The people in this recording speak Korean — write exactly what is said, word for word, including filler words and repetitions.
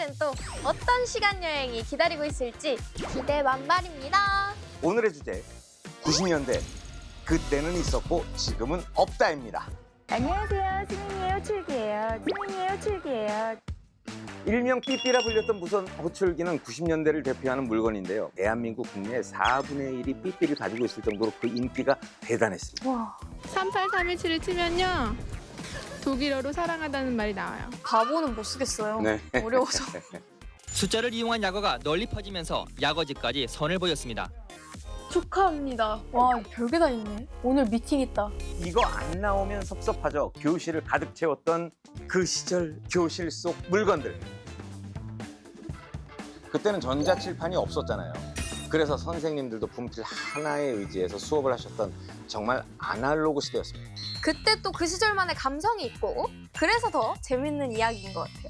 우리에게는 또 어떤 시간 여행이 기다리고 있을지 기대 만발입니다. 오늘의 주제 구십 년대 그때는 있었고 지금은 없다입니다. 안녕하세요. 스민이에요. 출기예요. 스민이에요. 출기예요. 일명 삐삐라 불렸던 무선 호출기는 구십 년대를 대표하는 물건인데요. 대한민국 국내의 사분의 일이 삐삐를 가지고 있을 정도로 그 인기가 대단했습니다. 삼팔삼일칠을 치면요. 독일어로 사랑하다는 말이 나와요. 바보는 못 쓰겠어요. 네. 어려워서. 숫자를 이용한 약어가 널리 퍼지면서 약어지까지 선을 보였습니다. 축하합니다. 와, 별게 다 있네. 오늘 미팅 있다. 이거 안 나오면 섭섭하죠. 교실을 가득 채웠던 그 시절 교실 속 물건들. 그때는 전자칠판이 없었잖아요. 그래서 선생님들도 분필 하나에 의지해서 수업을 하셨던 정말 아날로그 시대였습니다. 그때 또 그 시절만의 감성이 있고 그래서 더 재밌는 이야기인 것 같아요.